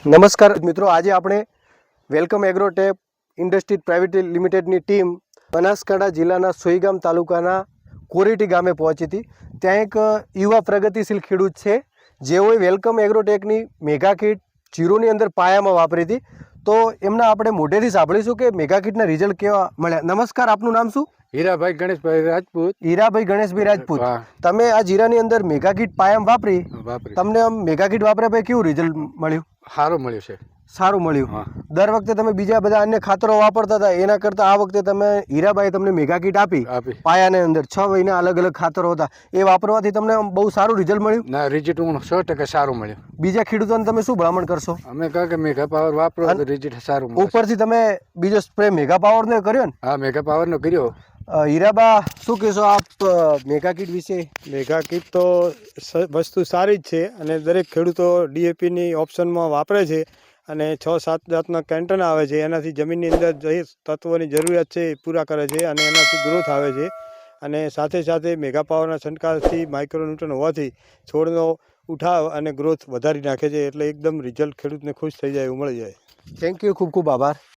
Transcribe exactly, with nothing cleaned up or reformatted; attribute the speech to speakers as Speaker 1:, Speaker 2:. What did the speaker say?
Speaker 1: નમસ્કાર મિત્રો, આજે આપણે વેલકમ એગ્રોટેક ઇન્ડસ્ટ્રી પ્રાઇવેટ લિમિટેડની ટીમ બનાસકાંઠા જિલ્લાના સોઈગામ તાલુકાના કોરેટી ગામે પહોંચી હતી. ત્યાં એક યુવા પ્રગતિશીલ ખેડૂત છે જેઓએ વેલકમ એગ્રોટેકની મેગા કીટ જીરોની અંદર પાયામાં વાપરી હતી. તો એમના આપણે મોઢેથી સાંભળીશું કે મેગા કીટના રિઝલ્ટ કેવા મળ્યા. નમસ્કાર, આપનું નામ શું?
Speaker 2: હીરાભાઈ ગણેશભાઈ રાજપૂત.
Speaker 1: હીરાભાઈ ગણેશભાઈ રાજપૂત,
Speaker 2: હા.
Speaker 1: તમે આ જીરાની અંદર મેગા કીટ પાયામાં વાપરી,
Speaker 2: બાપરે,
Speaker 1: તમને આમ મેગા કીટ વાપર્યા પછી કેવું રિઝલ્ટ મળ્યું?
Speaker 2: સારું મળ્યું છે.
Speaker 1: સારું મળ્યું.
Speaker 2: હા.
Speaker 1: દર વખતે તમે બીજા બધા અન્ય ખાતરો વાપરતા હતા, એના કરતાં આ વખતે તમે હીરાભાઈ તમને મેગા કીટ આપી
Speaker 2: આપી
Speaker 1: પાયાની અંદર છ મહિના અલગ અલગ ખાતરો હતા, એ વાપરવાથી તમને આમ બહુ સારું રિઝલ્ટ મળ્યું.
Speaker 2: ના, રિઝલ્ટ હું સો ટકા સારું મળ્યું.
Speaker 1: બીજા ખેડૂતોને તમે શું ભલામણ કરશો?
Speaker 2: અમે કહે કે મેગા પાવર વાપરો તો રિઝલ્ટ સારું મળે.
Speaker 1: ઉપરથી તમે બીજો સ્પ્રે મેગા પાવરનો કર્યો ને?
Speaker 2: હા, મેગા પાવરનો કર્યો.
Speaker 1: અ, હીરાબા, શું કહેશો આપ અ, મેગા કીટ વિશે?
Speaker 3: મેગા કીટ તો સ- વસ્તુ સારી જ છે અને દરેક ખેડૂતો ડીએપીની ઓપ્શનમાં વાપરે છે અને છ સાત જાતના કેન્ટન આવે છે. એનાથી જમીનની અંદર જે તત્વોની જરૂરિયાત છે એ પૂરા કરે છે અને એનાથી ગ્રોથ આવે છે. અને સાથે સાથે મેગા પાવરના છંટકાવથી માઇક્રોન્યુટ્રન હોવાથી છોડનો ઉઠાવ અને ગ્રોથ વધારી નાખે છે, એટલે એકદમ રિઝલ્ટ ખેડૂતને ખુશ થઈ જાય એવું મળી જાય.
Speaker 1: થેન્ક યુ, ખૂબ ખૂબ આભાર.